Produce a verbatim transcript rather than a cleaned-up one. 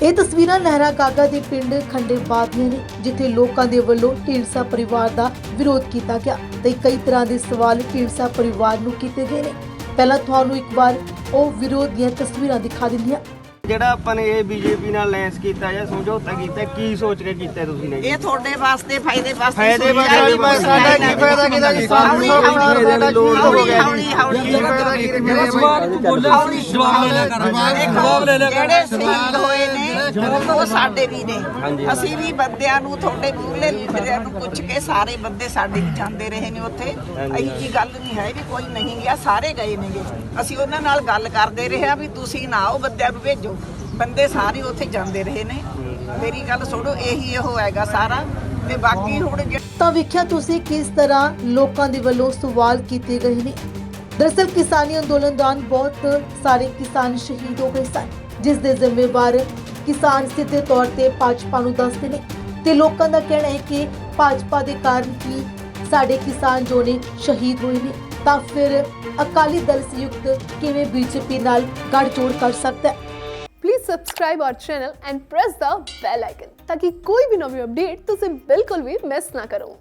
ਇਹ ਤਸਵੀਰਾਂ ਲਹਿਰਾ ਗਾਗਾ ਦੇ ਪਿੰਡ ਖੰਡੇਬਾਦ ਦੀਆਂ ਨੇ, ਜਿੱਥੇ ਲੋਕਾਂ ਦੇ ਵੱਲੋਂ ਢੀਂਡਸਾ ਪਰਿਵਾਰ ਦਾ ਵਿਰੋਧ ਕੀਤਾ ਗਿਆ ਤੇ ਕਈ ਤਰ੍ਹਾਂ ਦੇ ਸਵਾਲ ਢੀਂਡਸਾ ਪਰਿਵਾਰ ਨੂੰ ਕੀਤੇ ਗਏ ਨੇ। ਪਹਿਲਾਂ ਤੁਹਾਨੂੰ ਇੱਕ ਵਾਰ ਉਹ ਵਿਰੋਧ ਦੀਆਂ ਤਸਵੀਰਾਂ ਦਿਖਾ ਦਿੰਦੀ ਹਾਂ। ਜਿਹੜਾ ਆਪਾਂ ਨੇ ਇਹ ਬੀਜੇਪੀ ਨਾਲ ਲੈਂਸ ਕੀਤਾ ਜਾਂ ਸਮਝੌਤਾ ਕੀਤਾ, ਕੀ ਸੋਚ ਕੇ ਕੀਤਾ ਤੁਸੀਂ ਨੇ? ਇਹ ਤੁਹਾਡੇ ਵਾਸਤੇ ਫਾਇਦੇ ਵਾਸਤੇ ਫਾਇਦੇ ਵਾਸਤੇ ਮੈਂ ਸਾਡਾ ਕੀ ਫਾਇਦਾ ਕੀਤਾ ਕਿ ਸਾਨੂੰ ਸਾਡਾ ਲੋਡ ਹੋ ਗਿਆ ਹੌਲੀ ਹੌਲੀ ਕੀ ਫਾਇਦਾ ਕੀ ਮੇਰਾ ਸਵਾਲ ਤੂੰ ਬੋਲਿਆ ਜਵਾਬ ਲੈ ਲਿਆ ਕਰ ਜਵਾਬ ਲੈ ਲਿਆ ਕਰ। ਜਿਹੜੇ ਸ਼ਹੀਦ ਹੋਏ ਨੇ ਉਹ ਸਾਡੇ ਵੀ ਨੇ। ਅਸੀਂ ਵੀ ਬੰਦਿਆਂ ਨੂੰ ਤੁਹਾਡੇ ਮੂਹਰੇ ਲੀਡਰਾਂ ਨੂੰ ਪੁੱਛ ਕੇ ਸਾਰੇ ਬੰਦੇ ਸਾਡੇ ਵੀ ਜਾਂਦੇ ਰਹੇ ਨੇ ਉੱਥੇ। ਇਹੀ ਜੀ ਗੱਲ ਨਹੀਂ ਹੈ ਵੀ ਕੋਈ ਨਹੀਂ ਗਿਆ, ਸਾਰੇ ਗਏ ਨੇਗੇ। ਅਸੀਂ ਉਹਨਾਂ ਨਾਲ ਗੱਲ ਕਰਦੇ ਰਹੇ ਆ ਵੀ ਤੁਸੀਂ ਨਾ ਆਓ, ਬੰਦਿਆਂ ਨੂੰ ਭੇਜੋ। ਬੰਦੇ ਸਾਰੇ ਉੱਥੇ ਜਾਂਦੇ ਰਹੇ ਨੇ। ਮੇਰੀ ਗੱਲ ਸੁਣੋ, ਇਹੀ ਇਹੋ ਹੈਗਾ ਸਾਰਾ। ਤੇ ਬਾਕੀ ਹੁਣ ਤਾਂ ਵੇਖਿਆ ਤੁਸੀਂ ਕਿਸ ਤਰ੍ਹਾਂ ਲੋਕਾਂ ਦੇ ਵੱਲੋਂ ਸਵਾਲ ਕੀਤੇ ਗਏ ਨੇ। ਦਰਅਸਲ ਕਿਸਾਨੀ ਅੰਦੋਲਨ ਦੌਰਾਨ ਬਹੁਤ ਸਾਰੇ ਕਿਸਾਨ ਸ਼ਹੀਦ ਹੋ ਗਏ ਸਨ, ਜਿਸ ਦੇ ਜ਼ਿੰਮੇਵਾਰ ਕਿਸਾਨ ਸਿੱਧੇ ਤੌਰ ਤੇ ਭਾਜਪਾ ਨੂੰ ਦੱਸਦੇ ਨੇ ਤੇ ਲੋਕਾਂ ਦਾ ਕਹਿਣਾ ਹੈ ਕਿ ਭਾਜਪਾ ਦੇ ਕਾਰਨ ਹੀ ਸਾਡੇ ਕਿਸਾਨ ਜੋ ਨੇ ਸ਼ਹੀਦ ਹੋਏ ਨੇ। ਤਾਂ ਫਿਰ ਅਕਾਲੀ ਦਲ ਸੰਯੁਕਤ ਕਿਵੇਂ ਬੀਜੇਪੀ ਨਾਲ ਗੱਠਜੋੜ ਕਰ ਸਕਦਾ ਹੈ? Please subscribe our channel and press the bell icon ताकि कोई भी नवी अपडेट तुझे बिल्कुल भी मिस ना करो।